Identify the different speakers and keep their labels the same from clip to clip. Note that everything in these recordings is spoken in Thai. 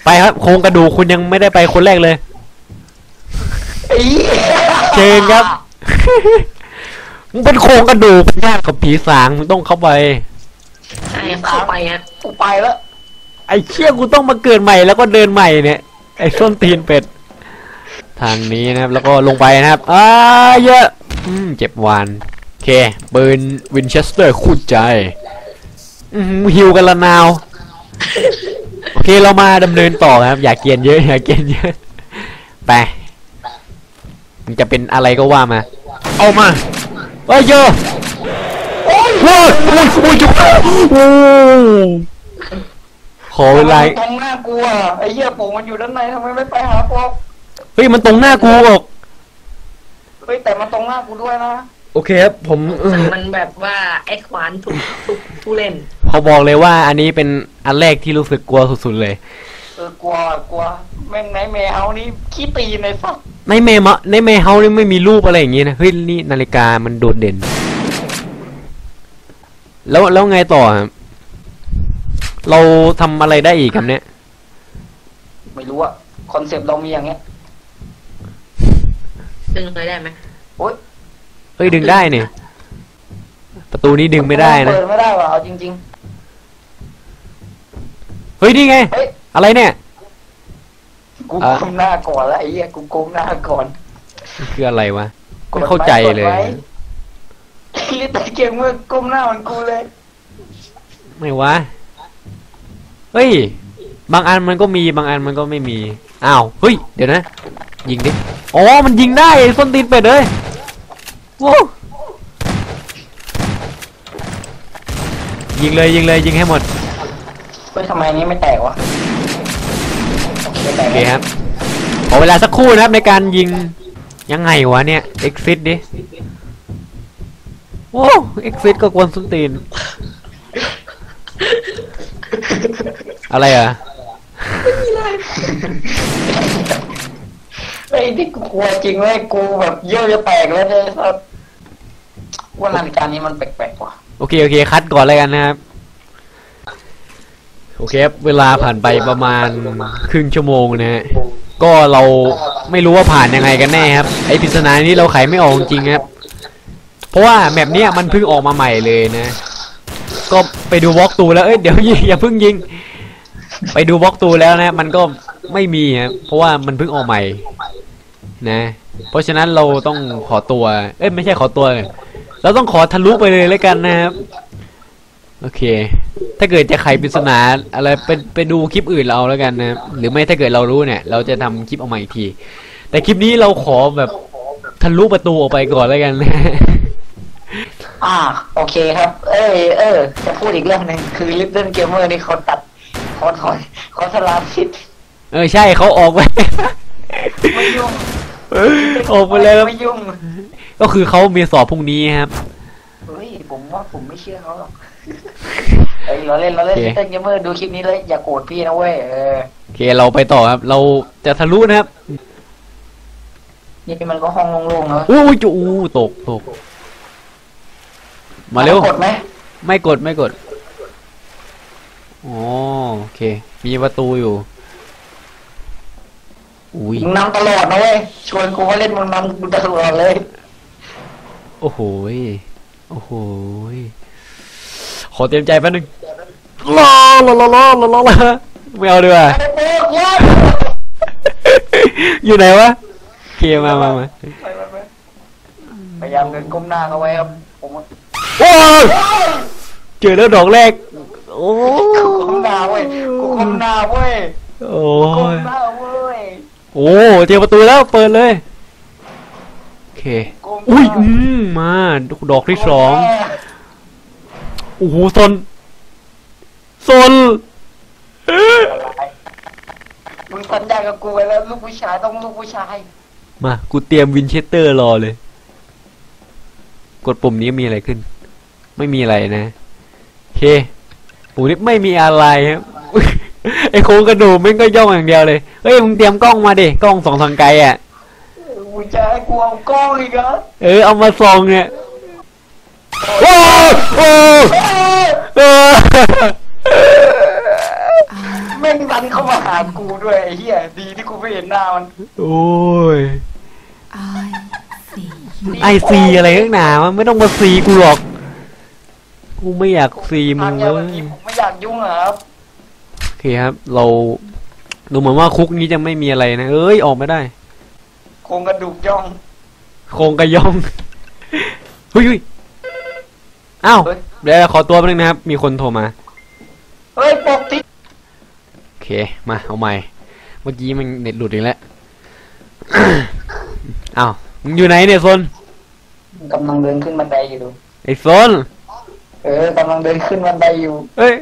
Speaker 1: ไปครับโครงกระดูกคุณยังไม่ได้ไปคนแรกเลยเชิญครับมึงเป็นโครงกระดูกเป็นญาติกับผีสางมึงต้องเข้าไป
Speaker 2: ใช่เข้าไปฮะ
Speaker 3: กูไปแล้ว
Speaker 1: ไอ้เชี่ยกูต้องมาเกิดใหม่แล้วก็เดินใหม่เนี่ยไอ้ส้นตีนเป็ดทางนี้นะครับแล้วก็ลงไปนะครับเยอะเจ็บวานโอเคปืนวินเชสเตอร์คู่ใจฮิวกันละนาวโอเคเรามาดำเนินต่อครับอย่าเกียนเยอะอย่าเกียนเยอะไปมันจะเป็นอะไรก็ว่ามาเอามาเยอะโอ้ยจุกขอเวลา
Speaker 3: ตรงหน้ากูอ่ะไอ้เหี้ยปู่มันอยู่ด้านในทำไมไม่ไปหาพวก
Speaker 1: เฮ้ยมันตรงหน้ากูออก
Speaker 3: เฮ้ยแต่มันตรงหน้ากูด้วยนะ
Speaker 1: โอเคครับผม
Speaker 2: มันแบบว่าแอดวานซ์ทุกผู้เล่น
Speaker 1: เขาบอกเลยว่าอันนี้เป็นอันแรกที่รู้สึกกลัวสุดๆเลย
Speaker 3: กลัวแม่งในเมเฮานี่ขี้ตีในฝัก
Speaker 1: ในเมเฮานี่ไม่มีรูปอะไรอย่างงี้นะเฮ้ยนี่นาฬิกามันโดดเด่นแล้วไงต่อครับเราทำอะไรได้อีกครับเนี่ย
Speaker 3: ไม่รู้อะคอนเซปต์เรามีอย่างเงี้ย
Speaker 2: ดึงเลยได้ไหม
Speaker 3: โอ๊ย
Speaker 1: เฮ้ยดึงได้เนี่ยประตูนี้ดึงไม่ได้นะ
Speaker 3: เปิดไม่ได้ว่ะเอาจริง
Speaker 1: ๆเฮ้ยนี่ไงอะไรเนี่ย
Speaker 3: กูก้มหน้าก่อนแล้วไอ้เหี้ยกูก้มหน้าก่อน
Speaker 1: คืออะไรวะไม่เข้าใจเลย
Speaker 3: ลิตเกมเมื่อก้มหน้ามันกูเลย
Speaker 1: ไม่วะเฮ้ยบางอันมันก็มีบางอันมันก็ไม่มีอ้าวเฮ้ยเดี๋ยวนะยิงดิอ๋อมันยิงได้ส้นตีนเป็ดเลยโว้ยิงเลยยิงให้หมด
Speaker 3: เฮ้ยทำไมนี้ไม่แตกวะ
Speaker 1: โอเคครับขอเวลาสักครู่นะครับในการยิงยังไงวะเนี่ย exit ดิโอ้ exit ก็กวนส้นตีนอะไรอ่ะ
Speaker 3: ไอ้ที่กูกลัวจริงเลยกูแบบเยอะจะแตกแล้วเนี่ยครับว่านาฬิกานี้มันแปลกๆว่ะ
Speaker 1: โอเคคัดก่อนเลยกันนะครับโอเคเวลาผ่านไปประมาณครึ่งชั่วโมงนะฮะก็เราไม่รู้ว่าผ่านยังไงกันแน่ครับไอปริศนานี้เราไขไม่ออกจริงครับเพราะว่าแมปเนี้ยมันเพิ่งออกมาใหม่เลยนะก็ไปดูบล็อกตูแล้วเดี๋ยวอย่าเพิ่งยิงไปดูบล็อกตูแล้วนะมันก็ไม่มีครับเพราะว่ามันเพิ่งออกใหม่นะเพราะฉะนั้นเราต้องขอตัวไม่ใช่ขอตัวเราต้องขอทะลุไปเลยแล้วกันนะครับโอเคถ้าเกิดจะไขปริศนาอะไรไปดูคลิปอื่นเราแล้วกันนะหรือไม่ถ้าเกิดเรารู้เนี่ยเราจะทำคลิปออกมาอีกทีแต่คลิปนี้เราขอแบบทะลุประตูออกไปก่อนแล้วกันนะ
Speaker 3: โอเคครับจะพูดอีกเรื่องหนึ่งคือลิตเติ้ลเกมเมอร์นี่เขาตัดเขาสลับสิทธิ์
Speaker 1: ใช่เขาออกไป
Speaker 3: ไม่ยุ่ง
Speaker 1: ออกไปเลย
Speaker 3: ไม่ยุ่ง
Speaker 1: ก็คือเขามีสอบพรุ่งนี้ครับ
Speaker 3: เฮ้ยผมว่าผมไม่เชื่อเขาหรอกเราเล่นลิตเติ้ลเกมเมอร์ดูคลิปนี้เลยอย่าโกรธพี่นะเว้ย
Speaker 1: โอเคเราไปต่อครับเราจะทะลุนะครับ
Speaker 3: นี่มันก็ห้องโล่งๆแล้ว
Speaker 1: อู้จูตกมาเร็ว
Speaker 3: กดไหม
Speaker 1: ไม่กดโอเคมีประตูอยู่
Speaker 3: มึงนำตลอดนะเว้ยชวนกูมาเล่นมึงนำกูตลอดเลย
Speaker 1: โอ้โหขอเตรียมใจแป๊บนึงรอไม่เอาดีกว่าอยู่ไหนวะเคมา
Speaker 3: พยายามเดินก้มหน้าเขาไว้ครับผม
Speaker 1: เจอแล้วดอกแรกโอ้
Speaker 3: กูก้มหน้าเว้ย
Speaker 1: โอ้
Speaker 3: เ
Speaker 1: จอประตูแล้วเปิดเลยโอเคอุ้ยมาดอกที่สองโอ้โหซน
Speaker 3: มึงสัญญากับกูไว้แล้วลูกผู้ชายต้องลูกผู้ชาย
Speaker 1: มากูเตรียมวินเชสเตอร์รอเลยกดปุ่มนี้มีอะไรขึ้นไม่มีอะไรนะโอเคปุ่มนี้ไม่มีอะไรครับไอโครงกระดูกมันก็ย่องอย่างเดียวเลยเฮ้ยมึงเตรียมกล้องมาดิกล้องส่องทางไกลอ่ะ
Speaker 3: กูจะให้กูเอากล้องอีกเหรอ
Speaker 1: เอามาส่องเนี่ยโอ้
Speaker 3: แม่งดันเข้ามาหากูด้วยไอ้เหี้ยดีที่กูไม่เห็นหน้ามัน
Speaker 1: โอ้ย
Speaker 4: I see you.
Speaker 1: ไอซีอะไรข้างหนามันไม่ต้องมาซีกูหรอก กูไม่อยากซีมึ
Speaker 3: ทาง
Speaker 1: ง
Speaker 3: ยา
Speaker 1: เล
Speaker 3: วัน
Speaker 1: ย
Speaker 3: นี้ผมไม่อยากยุ่งอะครับ
Speaker 1: โอเคครับ เราดูเหมือนว่าคุกนี้จะไม่มีอะไรนะ เอ้ย ออกไม่ได้
Speaker 3: โครงกระดูกย่อง
Speaker 1: โครงกระย่อง เฮ้ยอ้าว
Speaker 3: เฮ้ย
Speaker 1: เดี๋ยวขอตัวแป๊บนึงนะครับ มีคนโทรมา
Speaker 3: เฮ้ยปกติ
Speaker 1: โอเค มา เอาใหม่ เมื่อกี้มันเน็ตหลุดอีกแล้ว อ้าว มึงอยู่ไหนเนี่ยโซน
Speaker 3: กำลังเดินขึ้นบันไดอยู่ดู
Speaker 1: ไอ้โซน
Speaker 3: กำลังเดินขึ้นบันไดอยู่
Speaker 1: เฮ้ย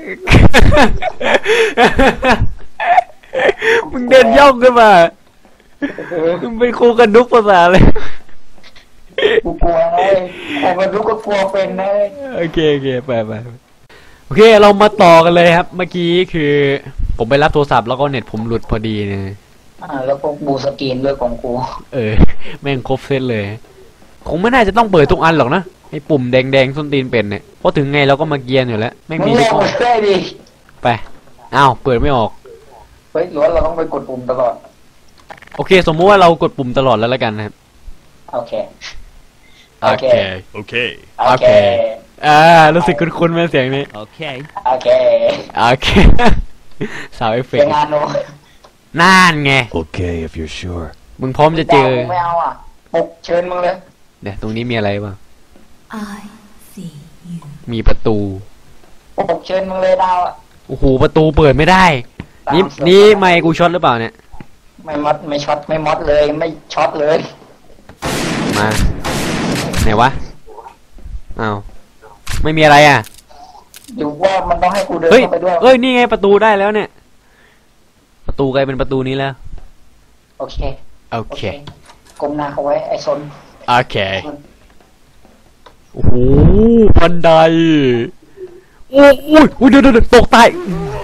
Speaker 1: มึงเดินย่องขึ้นมา มึงเป็นครูกันดุกภาษาเลย
Speaker 3: กูกลัวนะเลยโครงกระดูกก็กลัวเป็นนะเลย
Speaker 1: โอเคไปโอเคเรามาต่อกันเลยครับ เมื่อกี้คือผมไปรับโทรศัพท์แล้วก็เน็ตผมหลุดพอดีเนี่ย
Speaker 3: แล้วพวกบูสกรีนด้วยของกู
Speaker 1: แม่งครบเซตเลย คงไม่น่าจะต้องเปิดทุกอันหรอกนะไอ้ปุ่มแดงส้นตีนเป็นเนี่ยเพราะถึงไงเราก็มาเกียร์อยู่แล้วไม่
Speaker 3: มึ
Speaker 1: มี
Speaker 3: ง
Speaker 1: ทุ
Speaker 3: ล
Speaker 1: ก
Speaker 3: อง
Speaker 1: อัน
Speaker 3: ช่วยดิ
Speaker 1: ไปอ้าวเปิดไม่ออก
Speaker 3: เฮ้ยหรือว่าเราต้องไปกดปุ่มตลอด
Speaker 1: โอเค สมมุติว่าเรากดปุ่มตลอดแล้วกันนะครับ
Speaker 3: โอเค
Speaker 1: โอเค
Speaker 5: Okay.
Speaker 3: โอเค
Speaker 1: รู้สึกคุ้นๆไหมเสียงนี้
Speaker 5: Okay.
Speaker 3: โอเค
Speaker 1: โอเค สาวเอฟเฟ
Speaker 3: เป็
Speaker 1: ก
Speaker 3: น
Speaker 1: ต์
Speaker 3: งานโน้
Speaker 1: น่านไง
Speaker 5: Okay, if you're sure.
Speaker 1: มึงพร้อมจะเจอ
Speaker 3: กูไม่เอาอ่ะปลุกเชิญมึงเลย
Speaker 1: เนี่ยตรงนี้มีอะไรบ้าง
Speaker 4: I see you.
Speaker 1: มีประตู
Speaker 3: ปลุกเชิญมึงเลยดาวอ่ะ
Speaker 1: โอ้โหประตูเปิดไม่ได้ นี่
Speaker 3: ตามเสือ
Speaker 1: นี่ไมค์กูช็อตหรือเปล่าเนี่ย
Speaker 3: ไม่มดไม่ช็อตไม่มดเลยไม่ช็อตเลย
Speaker 1: มาไหนวะอ้าวไม่มีอะไรอ่ะ
Speaker 3: อยู่ว่ามันต้องให้กูเดิน
Speaker 1: เฮ้ย
Speaker 3: เข้าไปด้วย
Speaker 1: เอ้ยนี่ไงประตูได้แล้วเนี่ย ประตูกลายเป็นประตูนี้แล้ว
Speaker 3: โอเค
Speaker 1: โอเค
Speaker 3: ก้มหน้าเขาไว้ไอ้ซน
Speaker 1: โอเคโอ้โหบันไดโอ้ยเดี๋ยวตกตาย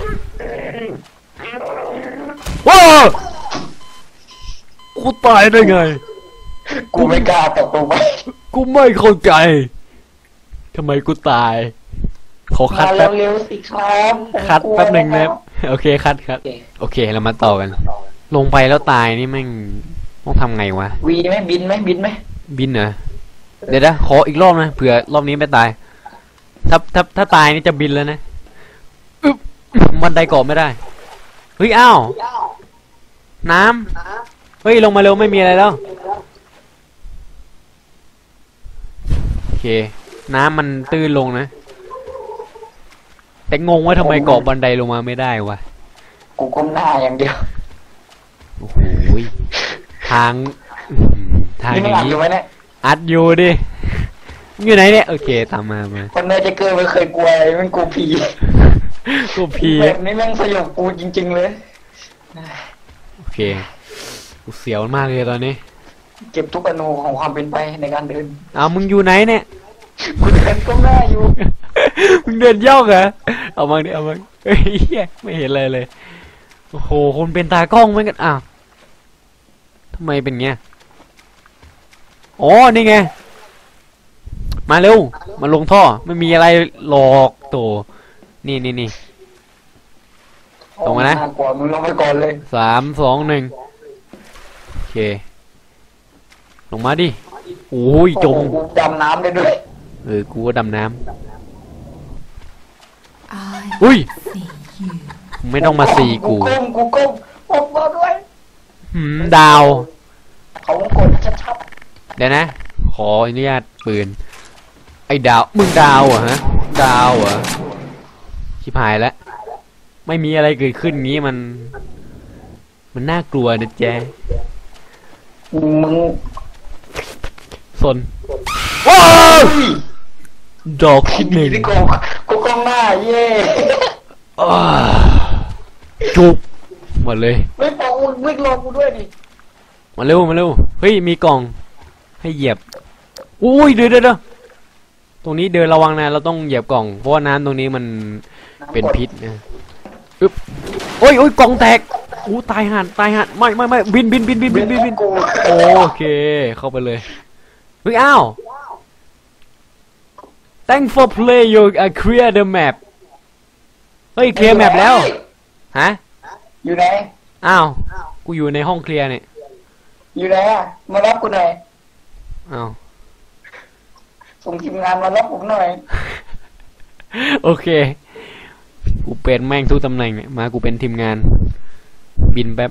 Speaker 1: ว้าวกูตายได้ไง
Speaker 3: กูไม่กล้าตกลงไป
Speaker 1: กูไม่เข้าใจทำไมกูตาย ขอคั
Speaker 3: มา
Speaker 1: ดแป๊บ
Speaker 3: เร็วๆสิครับผม
Speaker 1: คัด
Speaker 3: กลัว
Speaker 1: แป๊บหนึ่งนะ
Speaker 3: แล้ว
Speaker 1: โอเคคัด
Speaker 3: โอเค
Speaker 1: โอเคเรามาต่อกัน ลงไปแล้วตายนี่แม่งต้องทำไงวะ
Speaker 3: วีไหมบินไหมบินไหม
Speaker 1: บินเหรอเดี๋ยวนะขออีกรอบนะเผื่อรอบนี้ไม่ตาย ถ้าตายนี่จะบินแล้วนะอึ๊บบันไดเกาะไม่ได้เฮ้ยอ้าวน้ำเฮ้ยลงมาเร็วไม่มีอะไรแล้วโอเค น้ำมันตื้นลงนะ แต่งงว่าทำไมเกาะบันไดลงมาไม่ได้วะ
Speaker 3: กูก้มหน้าอย่างเดียว
Speaker 1: โอ้โหทางทาง
Speaker 3: นี่
Speaker 1: อ
Speaker 3: ไม่
Speaker 1: ย่าง
Speaker 3: อัด
Speaker 1: นี้
Speaker 3: อยู่ไหมเนี่ย
Speaker 1: อัดอยู่ดิอยู่ไหนเนี่ยโอเคตามมา
Speaker 3: คนเนอร์เจเกอร์ไม่เคยกลัวอะไรมันกลัวผี
Speaker 1: กูพี
Speaker 3: แบบนี้แม่งสยบกูจริง ๆ เลย
Speaker 1: โอเคกูเสียวมากเลยตอนนี้
Speaker 3: เก็บทุกอนูของความเป็นไปในการเดิน
Speaker 1: เอามึงอยู่ไหนเนี่ย
Speaker 3: กูเดินก้มหน้าอยู่
Speaker 1: มึงเดินย่องเหรอเอามาดิเอามาเฮ้ยเหี้ยไม่เห็นอะไรเลยโอ้โหคนเป็นตากล้องเหมือนกันอ้าวทำไมเป็นเงี้ยอ๋อนี่ไงมาเร็วมาลงท่อไม่มีอะไรหลอกโตนี่ ตรงมานะ
Speaker 3: น่ากลัวมึงลงไปก่อนเลย
Speaker 1: 3 2 1โอเคลงมาดิโอ้ยจม
Speaker 3: โอ้โหกูดำน้ำได้ด้วย
Speaker 1: กูก็ดำน้
Speaker 4: I
Speaker 1: ำอุ้ย
Speaker 4: see you.
Speaker 1: ไม่ต้องมาซีกู
Speaker 3: ก้มผมรอด้วย
Speaker 1: ดาว
Speaker 3: เขากดชัด
Speaker 1: เดี๋ยวนะ ขออนุญาตปืน ไอ้ดาว มึงดาวเหรอฮะ ดาวเหรอชิบหายแล้ว ไม่มีอะไรเกิดขึ้นงี้มันน่ากลัวนะแจ
Speaker 3: ๆมึง
Speaker 1: สนว้าวดอกที่หนึ่ง
Speaker 3: ที่กูก้มหน้าเย่
Speaker 1: อ้าจุกหมดเลย
Speaker 3: ไม่บอกมึงวิ่งลงกูด้วยดิ
Speaker 1: มาเร็วเฮ้ยมีกล่องให้เหยียบอุ้ยเดี๋ยวตรงนี้เดินระวังนะเราต้องเหยียบกล่องเพราะว่าน้ำตรงนี้มันเป็นพิษนะอึ๊บโอ้ยกล่องแตกอู้ตายห่านไม่บิน
Speaker 3: กู
Speaker 1: โอเคเข้าไปเลยเฮ้ยอ้าว thank for play you clear the map เฮ้ยเคลียร์แมปแล้วฮะ
Speaker 3: อยู่ไหน
Speaker 1: อ้าวกูอยู่ในห้องเคลียร์เนี่ย
Speaker 3: อยู่ไหนอ่ะมารับกูหน่อย
Speaker 1: อ้าว
Speaker 3: ส่งทีมงานมารับผมหน่อย
Speaker 1: โอเคกูเป็นแม่งทุกตำแหน่งเนี่ยมากูเป็นทีมงาน บินแป๊บ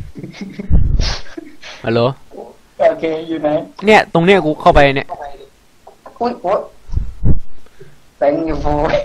Speaker 1: ฮัลโหล
Speaker 3: โอเคอยู่ไหน
Speaker 1: เนี่ยตรงเนี้ยกูเข้าไปเนี่ย
Speaker 3: อุ้ยโอ๊ยแตงอยู่โว้ย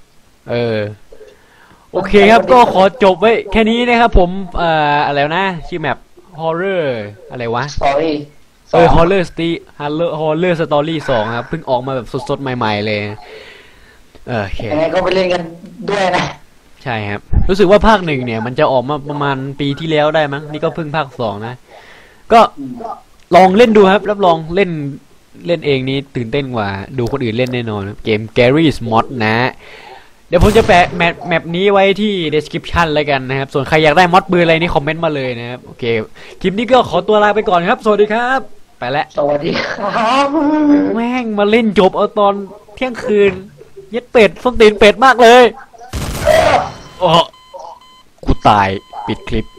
Speaker 1: โอเคครับก็ขอจบไว้แค่นี้นะครับผมอะไรนะชื่อแมป horror อะไรวะ
Speaker 3: สอรี่
Speaker 1: horror horror story 2ครับเพิ่งออกมาแบบสดๆใหม่ๆเลยโอเค
Speaker 3: ยังไงก็ไปเล่นกันด้วยนะ
Speaker 1: ใช่ครับรู้สึกว่าภาค 1เนี่ยมันจะออกมาประมาณปีที่แล้วได้มั้งนี่ก็เพิ่งภาค 2นะก็ลองเล่นดูครับรับรองเล่นเองนี้ตื่นเต้นกว่าดูคนอื่นเล่นแน่นอนครับเกม Garry's Mod นะเดี๋ยวผมจะแปะแมปนี้ไว้ที่ description แล้วกันนะครับส่วนใครอยากได้มอดปืนอะไรนี่คอมเมนต์มาเลยนะครับโอเคคลิปนี้ก็ขอตัวลาไปก่อนครับสวัสดีครับไปแล้ว
Speaker 3: สวัสดีครับ
Speaker 1: แม่งมาเล่นจบเอาตอนเที่ยงคืนเย็ดเป็ดส้นตีนเป็ดมากเลยโอ้กูตายปิดคลิป